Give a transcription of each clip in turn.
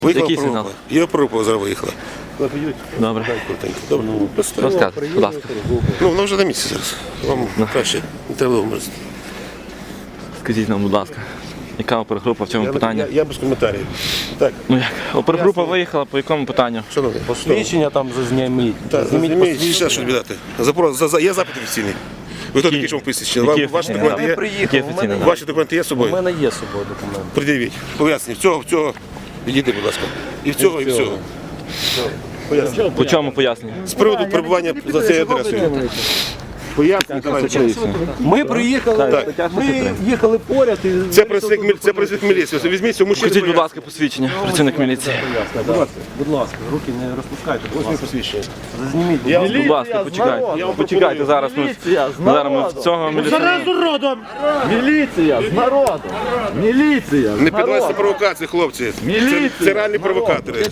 Який сигнал? Я опорупа зараз виїхала. Добре. Добре. Розказуйте, будь ласка. Ну, вона вже на місці зараз. Вам краще не треба вмерзти. Скажіть нам, будь ласка, яка опергрупа в цьому питанні? Я без коментарів. Так, Ну як? Опергрупа виїхала по якому питанню? шановний. Посвідчення там зазніміть. Так, зніміть, ще щось віддати. Є запит офіційний. Ви хто такий, що вам посвідчення? Які Ваші офіційні? документи є? Які офіційні? Ваші документи є з У собою? мене є з собою документи. Пред'явіть. Поясніть. В цього. Відійди, будь ласка. І в цього, і в цього. Поясніть. По чому пояснення? З приводу перебування за цією адресою. Поясніть, давайте. Ми приїхали, ми їхали поряд і... Це працівник міліції. Візьміть цього мужчину. Покажіть, будь ласка, посвідчення, працівник міліції. Будь ласка, руки не розпускайте, будь Ось мій ласка. посвідчення. Зазніміть. Будь ласка, почекайте. Почекайте, зараз ми в цього міліцію. Народом! Міліція з народом! Міліція! Не піддавайтеся провокації, хлопці. Це реальні провокатори.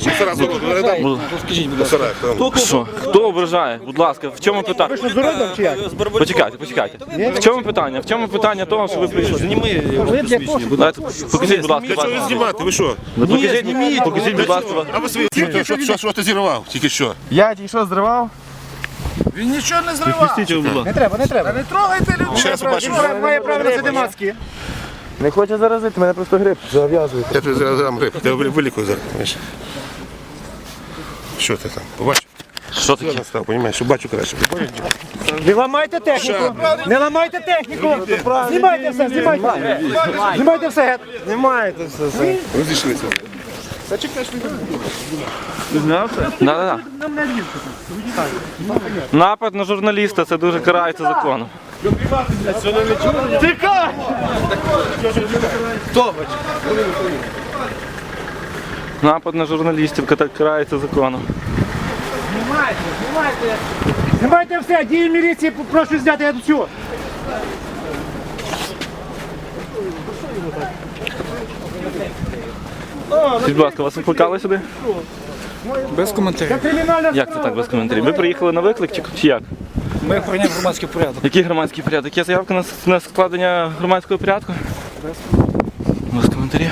Що? Хто ображає? Будь ласка, в чому питання? Почекайте. В чому питання? В чому питання того, що ви прийшли? Дайте, покажіть, будь ласка, Для чого ви вас. знімати? Ви що? Покажіть, будь ласка, вас. А ви свої що ти зірвав? Тільки що? Я тільки що зривав? Він нічого не зривав! Пустіть його, будь ласка. Не треба. Не трогайте людей! Ще раз побачу. Він має право на це маски. Не хоче заразити, мене просто грип. Зав'язуйте. Я тобі зараз дам грип. Я вилікую зараз. Знаєш. Що ти там? Побачив? Що Я таке? настав, розумієш, що бачу краще. Не ламайте техніку! Не ламайте техніку! Знімайте все, знімайте! Знімайте все! Знімаєте все. Розійшлися. Да. Напад на журналіста, це дуже карається законом. Тікай! Напад на журналістів карається законом. Знімайте все! Дії міліції прошу зняти, я тут все! Скажіть, будь ласка, вас викликали сюди? Без коментарів. Це кримінальна Як це так без коментарів? Ви приїхали на виклик чи як? Ми охороняємо громадський порядок. Який громадський порядок? Є заявка на складення громадського порядку? Без коментарів.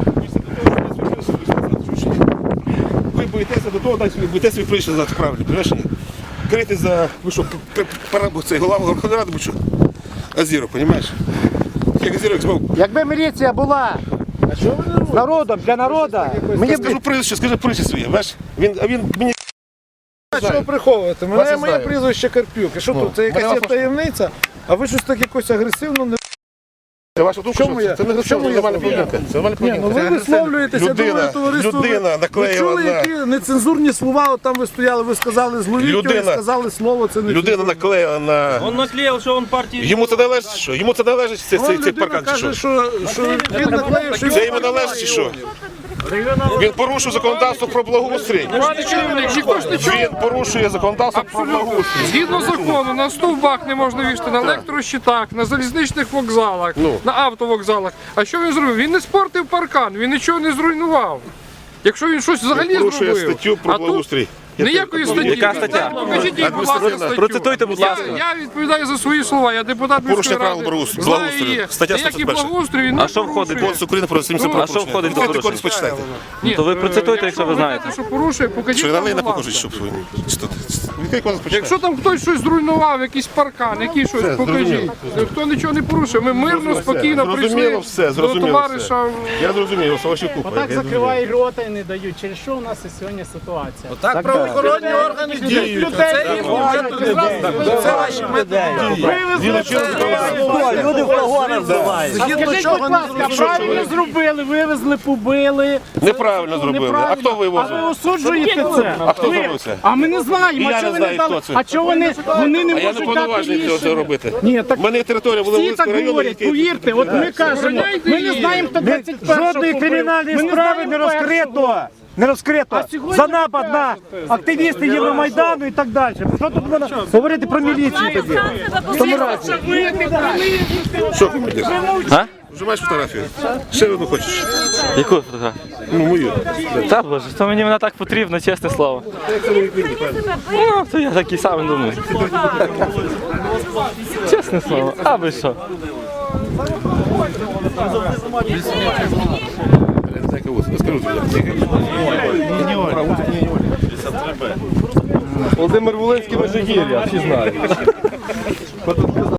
Ви боїтеся до того, боїтеся ви прийшли назад, правильно, розумієш? Крити за, ви що, цей голова Верховної Ради, будь що? Азіров, розумієш? Як Азіров змов. Якби міліція була з народом, для народу, мені б... Скажи прізвище своє, бачиш? Він мені... Що ви приховуєте? Моє прізвище Карпюк. І що тут? Це якась є таємниця? А ви щось так якось агресивно не... Це ваша думка, Чому що я? це не Чому я? нормальна поведінка. Це нормальна Ні, ну поведінка. ви висловлюєтеся, я думаю, товариство... Людина Ви наклеїла чули, на... які нецензурні слова, от там ви стояли, ви сказали зловіття, Людина- ви сказали слово, це не... Людина наклеїла на... Он наклеил, что он партии... Йому це належить, що? Йому це належить цей Людина паркан, чи каже, що? що він наклеїв, що... Це йому належить, чи що? Він порушив законодавство про благоустрій. Він порушує законодавство про благоустрій. Згідно закону, на стовбах не можна вішати, на електрощитах, на залізничних вокзалах, на автовокзалах. А що він зробив? Він не спортив паркан, він нічого не зруйнував. Якщо він щось взагалі Порушує зробив, статтю про а тут благоустрій. ніякої статті. Яка стаття? Покажіть їй, будь ласка, статтю. Процитуйте, будь ласка. Я відповідаю за свої слова, я депутат Порушення міської правил ради. благоустрою. Знаю її. Стаття Ніякий 141. благоустрій він не А що входить? порушує. Кодекс України про адміністративне А що входить до Відкрийте порушення? кодекс, почитайте. Ні, То ви процитуйте, якщо ви знаєте. Що порушує, покажіть Що нам, дали, не будь покажуть, ласка. щоб... Відкрий кодекс, почитайте. Якщо там хтось щось зруйнував, якийсь паркан, який щось, покажіть. Хто нічого не порушив, ми мирно, спокійно прийшли Зрозуміло все, до зрозуміло товариша. Я зрозумів, Саващуку. Так закривають рота і не дають. Через що у нас і сьогодні ситуація? Так правоохоронні органи діють. Це ваші Люди в погонах збивають. Скажіть, будь ласка, правильно зробили, вивезли, побили. Неправильно зробили. А хто А ви вивозив? осуджуєте це? А хто зробив це? А ми не знаємо, Я а не чого вони знаю, дали? хто це. А чого вони не А я не можуть дати повноважений цього рішення? робити. Ні, так У мене територія всі Володимирського так району. говорять, повірте, от ми кажемо, ми не знаємо, хто 21-го Жодної побив. кримінальної Ми не справи знаємо не розкрито. Не розкрито сьогодні за напад на активістів Євромайдану і так далі. Що тут можна говорити про міліцію тоді? Що ти будеш? А? Вже маєш фотографію? Ще одну хочеш? Яку фотографію? Ну, мою. Та боже, то мені вона так потрібна, чесне слово. Ну, то я такий самий думаю. Чесне слово, а ви що? Кого? Скажу тобі. Володимир Волинський Межигір'я, всі знають.